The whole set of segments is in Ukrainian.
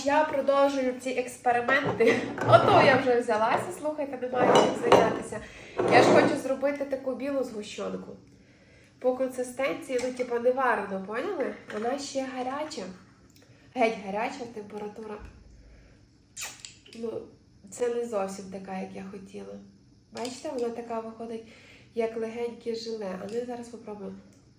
Я продовжую ці експерименти. Ото я вже взялася, слухайте, не маю чим зайнятися. Я ж хочу зробити таку білу згущенку. По консистенції, ну, типа, не варено, поняли? Вона ще гаряча. Геть гаряча температура. Ну, це не зовсім така, як я хотіла. Бачите, вона така виходить, як легеньке желе. А ми зараз спробуємо.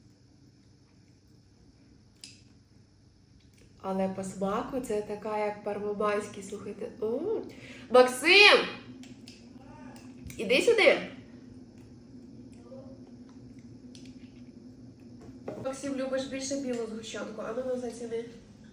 Але по смаку це така, як пармамайський, слухайте. Максим! Іди сюди! Максим, любиш більше білу згущенку, а ну заціни.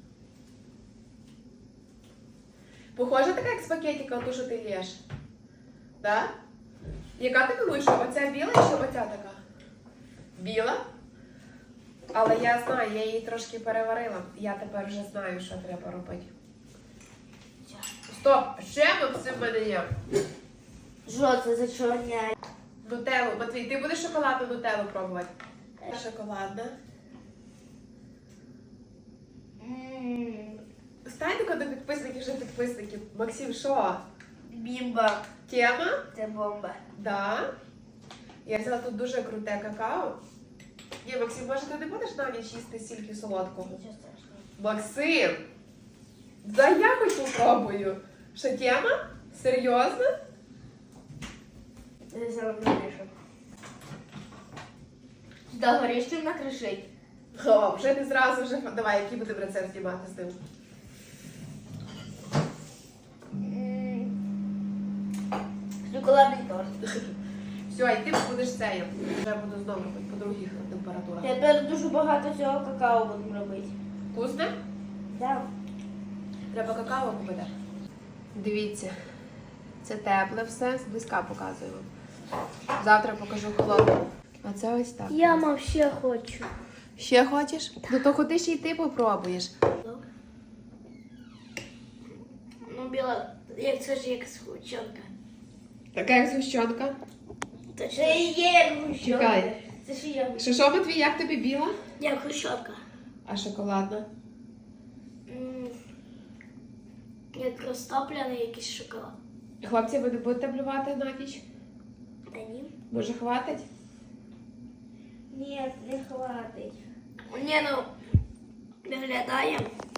Похожа така, як з пакетика, ту, що ти лєш. Да? Яка ти думаєш, що оця біла чи оця така? Біла? Але я знаю, я її трошки переварила. Я тепер вже знаю, що треба робити. Стоп! Ще Максим в мене є. Що це за чорня? Нутеллу. Матвій, ти будеш шоколадну нутеллу пробувати? Шоколадна. Стань до підписників, вже підписників. Максим, що? Бімба. Тема? Це бомба. Да. Я взяла тут дуже круте какао. Ні, Максим, може ти не будеш на ніч їсти стільки солодкого? Нічого страшного. Максим! Да я хоч попробую. Що, тема? Серйозно? Це зараз вирішу. Сюди горішки накришить. О, вже ти зразу вже... Давай, який будемо рецепт знімати з ним? Шоколадний торт. Все, і ти будеш це. Вже буду знову робити по других температурах. Тепер дуже багато цього какао будемо робити. Вкусне? Так. Треба какао купити. Дивіться, це тепле все, зблизька показую вам. Завтра покажу холодне. А це ось так. Я мав ще хочу. Ще хочеш? Ну то ходи ще й ти попробуєш. Ну, біла, як це ж як схучонка. Така як згущенка. Це ж і є як гущонка. Чекай. Це ж я. Що, Матвій, як тобі біла? Як гущонка. А шоколадна? Як розтоплений якийсь шоколад. Хлопці, ви не будете блювати на ніч? Та ні. Може, хватить? Ні, не хватить. Ні, ну, виглядає